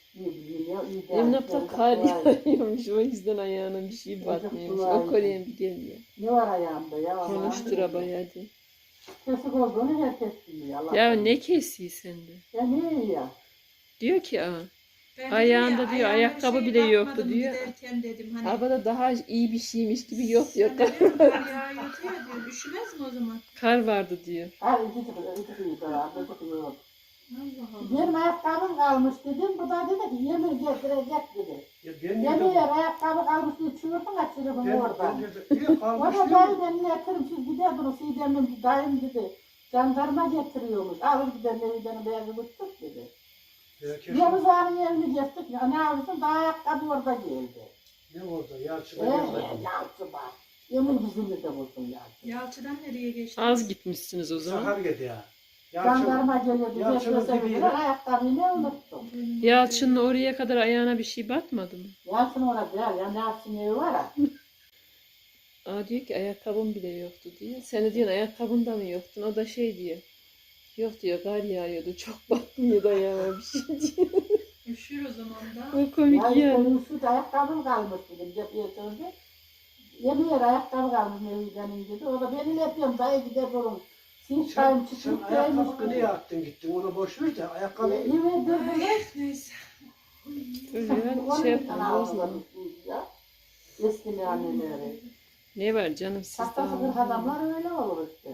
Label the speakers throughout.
Speaker 1: Emlak'ta kar yağıyormuş, o yüzden ayağına bir şey batmıyormuş. O Kore'ye bir geliyor.
Speaker 2: Ne var ayağımda ya?
Speaker 1: Konuştura bayağı de.
Speaker 2: Kesik olduğunu herkes biliyor. Allah
Speaker 1: Ya
Speaker 2: Allah.
Speaker 1: ne kesiyor sende?
Speaker 2: Ya ne ya?
Speaker 1: Diyor ki aa.
Speaker 3: Ben
Speaker 1: Ayağında
Speaker 3: dedim ya,
Speaker 1: diyor,
Speaker 3: ayağıma
Speaker 1: ayakkabı
Speaker 3: şey
Speaker 1: bile yoktu
Speaker 3: bakmadım
Speaker 1: diyor.
Speaker 3: giderken dedim hani.
Speaker 1: Havada daha iyi bir şeymiş gibi yok diyor.
Speaker 3: Sen de diyorum, kar yağıyor diyor. Üşümez mi o zaman?
Speaker 1: Kar vardı diyor.
Speaker 2: Her iki çıkıyor, iki çıkıyor.
Speaker 3: Allah Allah.
Speaker 2: Benim ayakkabım kalmış dedim. Bu da dedi ki yemin getirecek dedi.
Speaker 4: Ya ben
Speaker 2: Yemin
Speaker 4: de
Speaker 2: ayakkabı kalmış diye çığırdım açırdım oradan.
Speaker 4: niye
Speaker 2: O
Speaker 4: kalmış
Speaker 2: da
Speaker 4: değil
Speaker 2: dayı
Speaker 4: mi?
Speaker 2: benimle yatırımsız gidiyordunuz. Sidem'in dayım dedi. Jandarma getiriyormuş. Alır gider Neviden'i beyazı tuttuk dedi. Yavuz ağanın evini geçtik. Ya ne yapıyorsun? Daha ayakkabı orada geldi.
Speaker 4: Ne oldu? Yalçın'a
Speaker 2: Yalçı bak. Yemin yüzünü de bulsun Yalçı.
Speaker 3: Yalçı'dan nereye geçti?
Speaker 1: Az gitmişsiniz o zaman.
Speaker 4: Sakarya ya.
Speaker 2: Jandarma geliyordu.
Speaker 4: Yalçın'ın
Speaker 2: Geçmese
Speaker 4: dibiyle.
Speaker 2: bile ayakkabıyı ne unuttum.
Speaker 1: Yalçın'ın oraya kadar ayağına bir şey batmadı mı?
Speaker 2: Yalçın orada ya. Yani Yalçın evi var ya.
Speaker 1: Aa diyor ki ayakkabım bile yoktu diyor. Sen de diyorsun ayakkabın da mı yoktun? O da şey diyor. Yok diyor, kar yağıyordu. Çok batmıyordu ayağıma bir şey diyor.
Speaker 3: Üşür o zaman da.
Speaker 1: O komik
Speaker 2: Ya işte
Speaker 1: yani.
Speaker 2: şu ayakkabım kalmış dedim. Cepiye söndü. Yemin yer ayakkabı kalmış Neviden'in dedi. O da beni yapıyorum. Dayı gider durun. Sinç dayım
Speaker 4: Sen
Speaker 2: çıkıp
Speaker 4: ayakkabını niye attın gittin? Onu boş ver de ayakkabı.
Speaker 2: Yemin ederim.
Speaker 3: Ay, neyse.
Speaker 1: Öyle şey yapma bozma.
Speaker 2: Eski anneleri.
Speaker 1: Ne var canım sizde?
Speaker 2: Tahtası kırk adamlar öyle olur işte.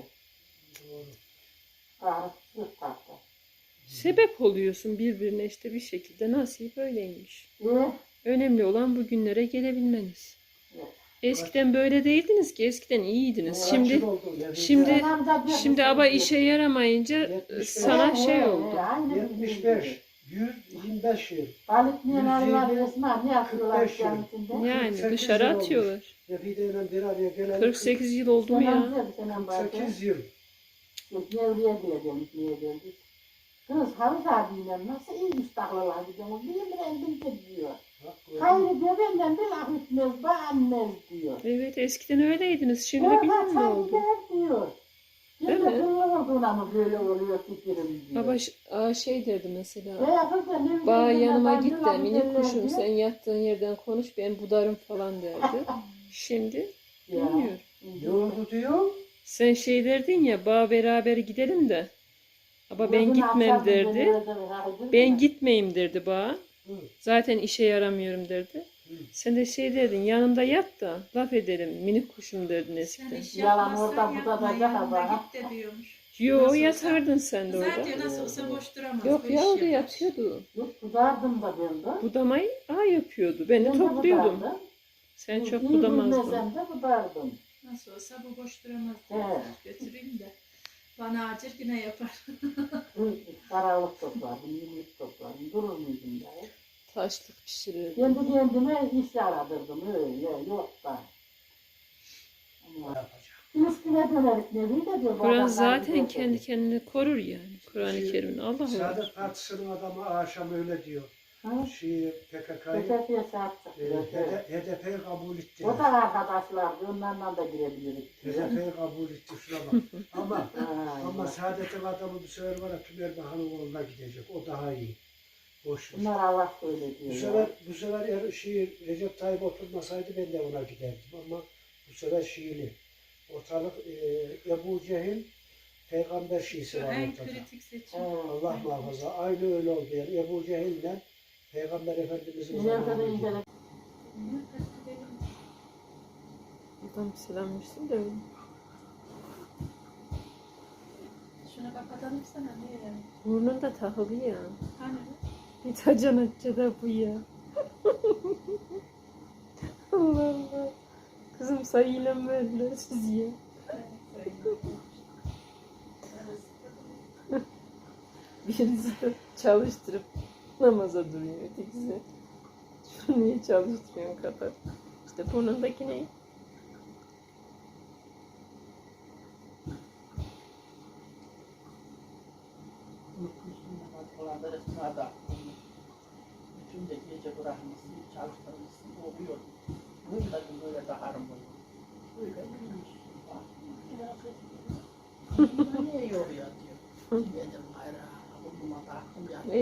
Speaker 2: Kahret yok tahta.
Speaker 1: Sebep oluyorsun birbirine işte bir şekilde, nasip öyleymiş.
Speaker 2: Ee,
Speaker 1: Önemli olan bugünlere gelebilmeniz.
Speaker 2: Evet.
Speaker 1: Eskiden böyle değildiniz ki, eskiden iyiydiniz.
Speaker 4: Kaç
Speaker 1: Şimdi
Speaker 4: yıl oldu ya?
Speaker 1: şimdi
Speaker 2: adam da diyor
Speaker 1: şimdi
Speaker 2: ki,
Speaker 1: ama işe yaramayınca
Speaker 4: 75.
Speaker 1: sana şey oldu.
Speaker 2: Aynen bizim
Speaker 4: 75,
Speaker 2: gibi.
Speaker 4: 125 yıl.
Speaker 2: Balık niye arılar
Speaker 4: 120,
Speaker 2: resmen ne yapıyorlar
Speaker 4: 45 yıl.
Speaker 2: içinde?
Speaker 1: Yani
Speaker 4: 48
Speaker 1: dışarı
Speaker 4: yıl olmuş.
Speaker 1: atıyorlar.
Speaker 4: Nefide'yle bir araya gelen
Speaker 1: 48 yıl oldu mu ya?
Speaker 4: 48 yıl.
Speaker 2: Nevriye diye demiş, niye geldik? Kız Havuz abiyle nasıl iyi müstahlılar gidiyor. Bir rendim diyor. Hayır diyor benden bir laf etmez, beğenmez diyor.
Speaker 1: Evet, eskiden öyleydiniz. Şimdi
Speaker 2: Evet,
Speaker 1: bilmem ne
Speaker 2: sen
Speaker 1: oldu.
Speaker 2: gider diyor.
Speaker 1: Değil
Speaker 2: Değil
Speaker 1: mi?
Speaker 2: mi? Olduğuna mı böyle oluyor fikrim diyor.
Speaker 1: Baba şey derdi mesela.
Speaker 2: Veya kız da ne
Speaker 1: Bağ
Speaker 2: bileyim,
Speaker 1: yanıma
Speaker 2: ben
Speaker 1: git
Speaker 2: bir
Speaker 1: de
Speaker 2: laf
Speaker 1: minik
Speaker 2: ederler
Speaker 1: kuşum
Speaker 2: diyor.
Speaker 1: sen yattığın yerden konuş ben budarım falan derdi. Şimdi
Speaker 2: Ya.
Speaker 1: bilmiyorum.
Speaker 4: Ne oldu diyor?
Speaker 1: Sen şey derdin ya bağ beraber gidelim de. Ama ben
Speaker 2: Gözünü
Speaker 1: gitmem
Speaker 2: açardım,
Speaker 1: derdi.
Speaker 2: beni öldürür, hayır,
Speaker 1: Ben
Speaker 2: mi?
Speaker 1: gitmeyeyim derdi bağ.
Speaker 4: Hı.
Speaker 1: Zaten işe yaramıyorum derdi. Sen de şey derdin yanımda yat da laf edelim minik kuşum derdin
Speaker 3: Sen
Speaker 1: eskiden.
Speaker 3: iş
Speaker 2: Yalan
Speaker 3: yapmazsan
Speaker 2: orada, bu da
Speaker 3: yapma,
Speaker 2: bacak
Speaker 3: yanında
Speaker 2: adam.
Speaker 3: git de diyormuş.
Speaker 1: Yo
Speaker 3: Nasıl olsa-
Speaker 1: yatardın sen de orada.
Speaker 3: Zaten nasıl olsa boş duramaz.
Speaker 1: Yok
Speaker 3: bu
Speaker 1: ya
Speaker 3: iş
Speaker 1: orada
Speaker 3: yapar.
Speaker 1: yatıyordu.
Speaker 2: Yok tutardım da ben de.
Speaker 1: Budamayı yapıyordu. Ben de topluyordum.
Speaker 2: tutardım.
Speaker 1: Sen çok
Speaker 2: İyi
Speaker 1: budamazdın.
Speaker 2: bilmesem de tutardım.
Speaker 3: Nasıl olsa bu boş duramaz.
Speaker 2: Evet.
Speaker 3: Götüreyim de. Bana acır yine yapar.
Speaker 2: Karalık toplardım, yumruk toplardım. Durur muydum ya?
Speaker 1: Taşlık pişirirdi.
Speaker 2: Kendi kendime iş aradırdım öyle, yok da. Ama üstüne dönerik nevi de diyor.
Speaker 1: Kur'an
Speaker 2: babam
Speaker 1: zaten
Speaker 2: bana
Speaker 1: kendi
Speaker 2: dedi.
Speaker 1: kendini korur yani. Kur'an-ı Kerim'in Allah var.
Speaker 4: Saadet Partisi'nin adamı akşam öyle diyor.
Speaker 2: Ha?
Speaker 4: PKK'yı
Speaker 2: Ötekiye sahip çıktı.
Speaker 4: HDP'yi kabul etti.
Speaker 2: O da arkadaşlardı, onlarla da girebiliriz.
Speaker 4: HDP'yi kabul etti şuna bak. Ama
Speaker 2: Ha,
Speaker 4: ama Saadet'in adamı bu sefer var ya Tümer Hanımoğlu'na gidecek. O daha iyi. Boş ver.
Speaker 2: bunlar Allah söyle
Speaker 4: Bu
Speaker 2: diyor.
Speaker 4: sefer eğer Recep Tayyip oturmasaydı ben de ona giderdim ama bu sefer Şiili. Ortalık Ebu Cehil peygamber Şiisi var
Speaker 3: En
Speaker 4: ortada.
Speaker 3: kritik seçim.
Speaker 4: Allah muhafaza. Aynı öyle oldu yani. Ebu Cehil'le Peygamber Efendimiz'in
Speaker 2: Nerede de
Speaker 4: zamanı.
Speaker 2: incelik.
Speaker 1: Buradan bir selam versin de öyle.
Speaker 3: Şuna kapatalım sana niye yani?
Speaker 1: Burnunda takılı ya.
Speaker 3: Hani?
Speaker 1: Bir tacan açça da bu ya. Allah Allah. Kızım sayıyla mı verdiler siz ya? Birisi de çalıştırıp namaza duruyor. Ötekisi şunu niye çalıştırıyorsun kapat. İşte burnundaki ne?
Speaker 5: Bütün de gece bırakmışsın, çalıştırmışsın, oluyor. Bunu da böyle daharım oluyor. Böyle bilmiş. Bak, niye yoruyor diyor. Dedim hayır, burnuma taktım ya.